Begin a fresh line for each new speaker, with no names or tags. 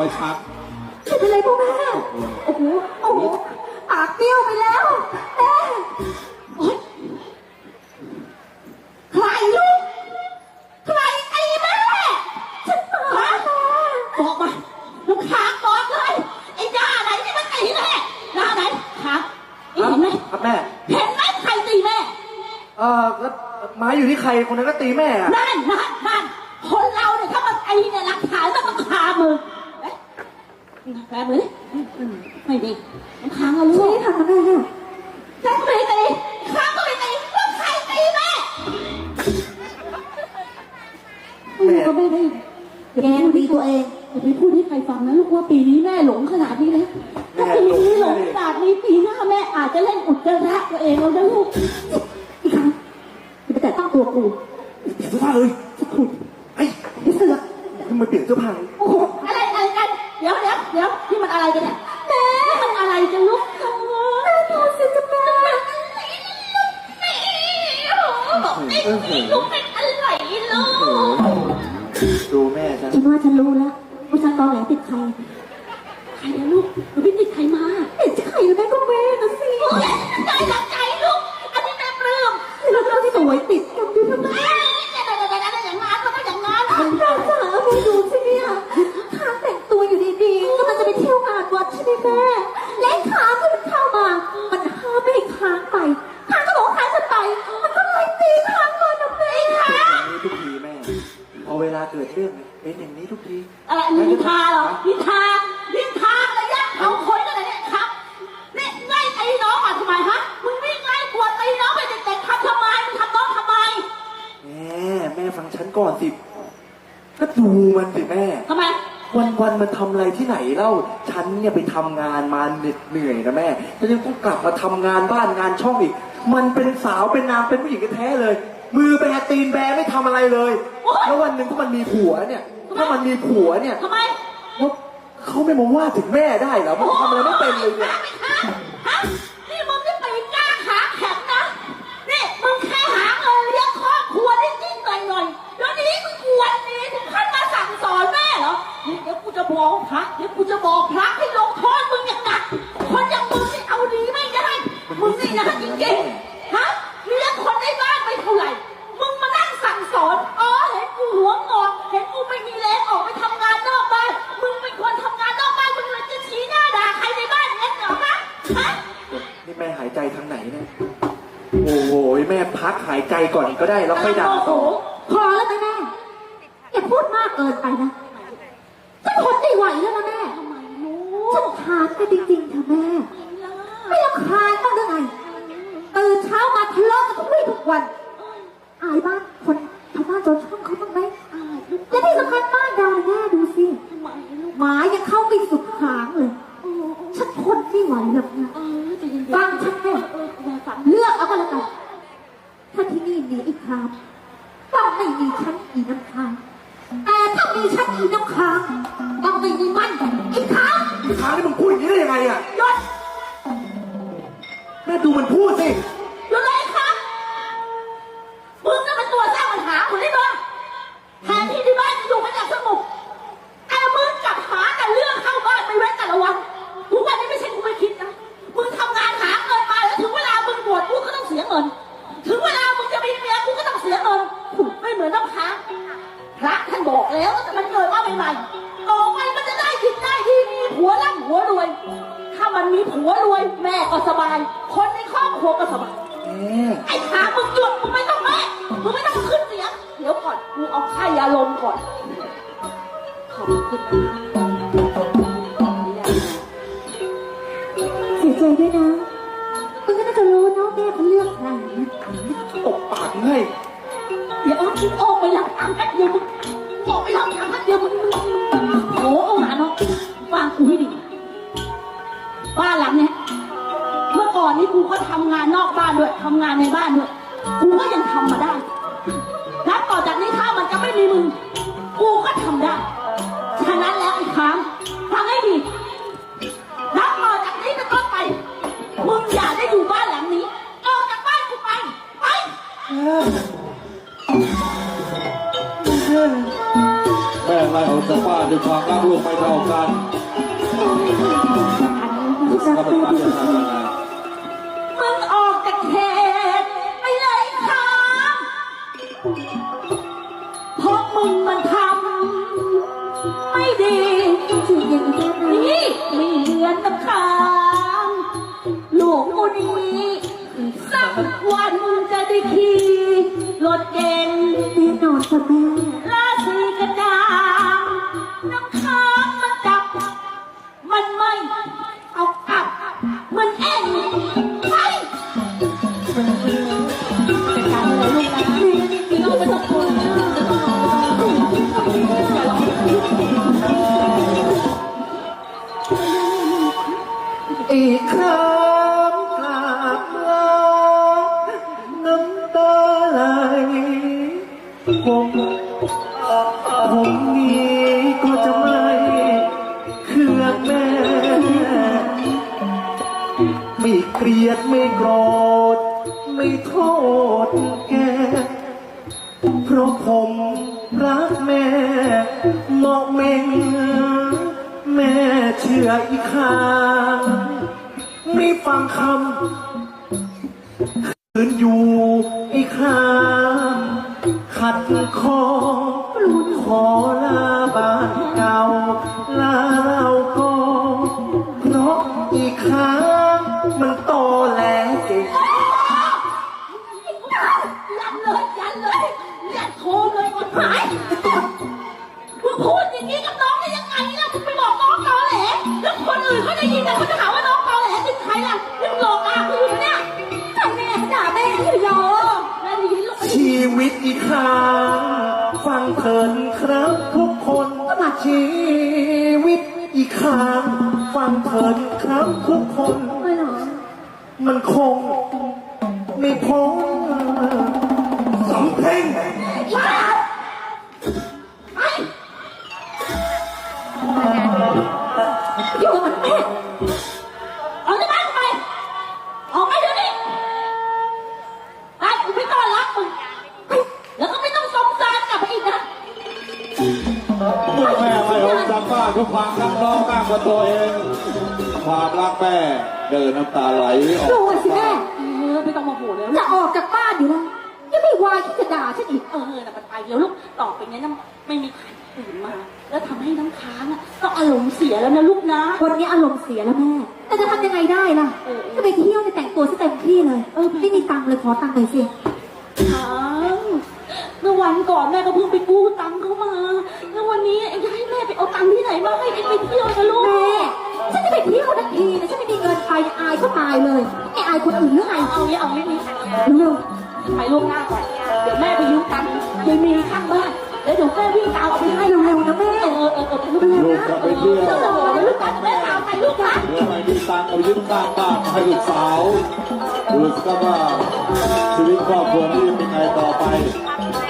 อยชัก
เป็นไรพ่อแม่โอ้โหโอ้โหปากเบี้ยวไปแล้วแม่โอ๊ยใครลูกใครตีแม่ฉันมาบอกมาลูกค้าบอกเลยไอ้หน้าไหนที่มันตีแม่หน้าไหนครับเห็นไหม
ครับแม่
เห็นไหมใครตีแม่
แล้วไม้อยู่ที่ใครคนนั้นก็ตีแม่อะ
นั่นคนเราเนี่ยถ้ามันตีเนี่ยหลักฐานมันต้องคามือแปลมือไม่ดีมันค้างเอาลูกไม่ทำอะไรเนี่ยแค่ไม่ตีค้างก็ไม่ตีแล้วใครตีแม่ก็ไม่ได้แกตีตัวเองอย่าไปพูดให้ใครฟังนะลูกว่าปีนี้แม่หลงขนาดนี้เลยถ้าปีนี้หลงขนาดนี้ปีหน้าแม่อาจจะเล่นอุจจาระตัวเองแล้วนะลูกอีกครั้งจะไปแต่ต้องตัวกู
เปลี่ยนเสื้อผ้าเลยไอ้เสื้อทำไมเปลี่ยนเสื้อผ้า
โอ้โหอะไรกันเดี๋ยวนี่มันอะไรกันเนี่ยแม่มันอะไรกันลูกแม่พอสิจะแม่ลูกเป็นอะไรลูก
ดูแม่ฉัน
ว่าฉันรู้แล้วว่าฉันตอนไหนติดใครนะลูกหนูไม่ติดใครมาติดใครแม่ก็แม่นะสิได้ตั้งใจลูกอันนี้แม่ปลื้มแล้วเราที่สวยติดกันด้วยนะอย่างนั้นก็อย่างนั้นเราจ๋าแม่ดูสิเนี่ยขาแต่งตัวอยู่ดีๆก็มันจะไปเที่ยวงานวัดใช่ไหมแม่และขาที่มันเข้ามามันห้ามไม่ให้ค้างไปค้างก็บอกค้างฉันไปมันก็ไล่ตีค้างเลยนะแม่ค่ะ
ทุกทีแม่พอเวลาเกิดเรื่องเป็นอย่างนี้ทุกที
อะไรนินทาเหรอนินทาอะไรยักเอาคนกันเลยเนี่ยครับนี่ไล่ตีน้องมาทำไมฮะมึงวิ่งไล่กวดตีน้องไปเด็กๆทำไมมึงทำน้องทำไม
แม่ฟังฉันก่อนสิก็ดูมันสิแม่
ทำไม
วันมันทำอะไรที่ไหนเล่าฉันเนี่ยไปทำงานมาเหนื่อยนะแม่ฉันยังต้องกลับมาทำงานบ้านงานช่องอีกมันเป็นสาวเป็นนางเป็นผู้หญิงแท้เลยมือแบตีนแบไม่ทำอะไรเลยแล้ววันหนึ่งถ้ามันมีผัวเนี่ยทำไมว่าเขาไม่มาว่าถึงแม่ได้เหรอมันทำอะไรไม่เป็นเลยเนี่ย
นี่มึงจะไปกล้าขาแข็งนะนี่มึงแค่หาเงินเลี้ยงครอบครัวได้จริงหน่อยแล้วนี้มึงกวนนี้ถึงขั้นมาสั่งสอนแม่เหรอเดี๋ยวกูจะบอกพระให้ลงโทษมึงอย่างหนักคนอย่างมึงนี่เอาดีไม่ได้มึงนี่นะจริงๆฮะเลี้ยงคนในบ้านไปเท่าไหร่มึงมานั่งสั่งสอนเห็นกูหัวงอกเห็นกูไม่มีแรงออกไปทำงานนอกบ้านมึงเป็นคนทำงานนอกบ้านมึงเลยจะชี้หน้าด่าใครในบ้านงั้นเหรอฮะ
นี่แม่หายใจทางไหนเนี่ยโอ้โหแม่พักหายใจก่อนก็ได้แล้วค่อยด่าต่อ
พอแล้วแม่อย่าพูดมากเกินไปนะฉันทนไม่ไหวแล้วนะแม่ฉันทานกันจริงๆเถอะแม่ไม่รำคาญบ้างหรือไงตื่นเช้ามาทะเลาะกันทุกวันอายบ้านคนชาวบ้านชาวช่องเขาบ้างไหมและที่สำคัญบ้านเราแม่ดูสิหมายังเข้าไปสุดหางเลยฉันทนไม่ไหวหรอกนะฟังฉันแม่เลือกเอาก็แล้วกันถ้าที่นี่มีอีกครั้งต้องไม่มีฉันอีน้ำค้างแต่ถ้ามีฉันอีน้ำค้างต้องไม่มีมันอีกครั้ง
นี่มึงพูดอย่างนี้ได้ยังไงอ่ะ
ยศ
แม่ดูมันพูดสิ
ยศเลยครับมึงน่ะมันตัวสร้างปัญหาคนนี้บ้างแทนที่บ้านจะอยู่กันอย่างสงบแต่มึงกลับหาแต่เรื่องเข้าบ้านไปเว้นแต่ละวันทุกวันนี้ไม่ใช่กูไม่คิดนะมึงทำงานหาเงินมาแล้วถึงเวลามึงบวชกูก็ต้องเสียเงินถึงเวลามึงจะมีเมียกูก็ต้องเสียเงินไม่เหมือนน้ำค้างพระท่านบอกแล้วแต่มันเกิดมาใหม่ๆต่อไปมันจะได้กินได้ที่มีผัวร่ำผัวรวยถ้ามันมีผัวรวยแม่ก็สบายคนในครอบครัวก็สบายไอ้ขามึงหยุดมึงไม่ต้องแม่มึงไม่ต้องขึ้นเสียงเดี๋ยวก่อนกูเอาไข่ยาลมก่อนขอบคุณเสียใจด้วยนะมึงก็น่าจะรู้เนาะแม่เขาเลือกใคร
ตบปากให้
เดี๋ยวคิดออกไปหลังทางแป๊บเดียวมึงออกไปหลังทางแป๊บเดียวมึงโอ้เอาหนาเนาะฟังกูให้ดีบ้านหลังเนี้ยเมื่อก่อนนี้กูก็ทำงานนอกบ้านด้วยทำงานในบ้านด้วยกูก็ยังทำมาได้นับต่อจากนี้ถ้ามันจะไม่มีมึงกูก็ทำได้ฉะนั้นแล้วอีกครั้งฟังให้ดีนับต่อจากนี้เป็นต้นไปมึงอย่าได้อยู่บ้านหลังนี้ออกจากบ้านกูไป
แม่ไล่ออกจากบ้านด้วยความรักลูกไม่เท่ากันลูกก็เป็นการจะทำยังไง
มึงออกจากเขตไปเลยครับเพราะมึงมันทำไม่ดีจริงๆนี่ไม่เหมือนกับข้างลูกกูนี้สักวันจะได้ขี่รถเก่งแน่นอนค่ะแม่ราศีกระดางน้ำค้างมันจับมันไม่เอากลับมันเอ็นไปจัดการเลยลูกนะพี่น้องไม่ต้องกลัวนะไม่ต้องรออย่าร้อง
อีกครั้งกราบลาน้ำตาไหลผมนี้ก็จะไม่เคืองแม่ ไม่เกลียดไม่โกรธไม่โทษแก เพราะผมรักแม่เหมาะเมงแม่เชื่ออีกครั้งไม่ฟังคำคืนอยู่อีกครั้งขัดคอขอลาบ้านเก่าลาเราก็เพราะอีกครั้งมันโตแหลเก่ง
ยันเลยยันโทรเลยกดหายมึงพูดอย่างนี้กับน้องได้ยังไงล่ะมึงไปบอกน้องตอแหลแล้วคนอื่นเขาได้ยินแต่เขาจะหาว่าน้องตอแหลเป็นใครล่ะมึงหลอกอากูอยู่เนี่ยใครแม่ด่าแม่อยู่ยอแม่ได้ยินลูก
ชีวิตอีกครั้งฟังเถินครับทุกคนชีวิตอีกครั้งฟังเถินครับทุกคน
ไม่หรอ
มันคงไม่พ้นสำเพ็ง
อีบ้าไอ้อยู่กับมันแม่เอาในบ้านไปออกไปเดี๋ยวนี้ไปกูไม่ต้อนรับมึงแล้วก็ไม่ต้องสงสารกลับไปอีกนะ
เมื่อแม่ไล่ออกจากบ้านด้วยความรักน้องมากกว่าตัวเองความรักแม่เดินน้ำตาไหลออก
ดูสิแม่ไม่ต้องมาโหแล้วจะออกจากบ้านอยู่แล้วยังไม่วายที่จะด่าฉันอีกน่ะมันไปเดี๋ยวลูกต่อไปเนี้ยนะไม่มีใครอื่นมา แล้วทำให้น้ำค้างอ่ะต้องอารมณ์เสียแล้วนะลูกนะ
วันนี้อารมณ์เสียแล้วแม่ แต่จะทำยังไงได้ล่ะ จะไปเที่ยวจะแต่งตัวซะเต็มที่เลย ไม่มีตังค์เลยขอตังค์หน่อยสิ
ค้างเมื่อวันก่อนแม่ก็เพิ่งไปกู้ตังค์เขามา แล้ววันนี้เอ็งจะให้แม่ไปเอาตังค์ที่ไหนมาให้เอ็งไปเที่ยวนะลูก
แม่ ฉันจะไปเที่ยวทันทีนะฉันไม่มีเงินไปอายเขาตายเลยไอ้อายคนอื่นหรือไง
เอางี้เอางี้นี่
เร็ว
ไปล่วงหน้าก่อน เดี๋ยวแม่ไปยืมตังค์ยายมีข้างบ้าน แล้วเดี๋ยวแม่วิ่งตามเอาไปให้
ๆเร็วๆนะแม่
ลูกจะไปเที่ยว
ต้องรอลูกกันแม่ตามไปลูกนะ
เมื่อไม่มีตังค์เอายืมตังค์บ้านให้ลูกสาวดูสิครับว่าชีวิตครอบครัวนี้เป็นไงต่อไป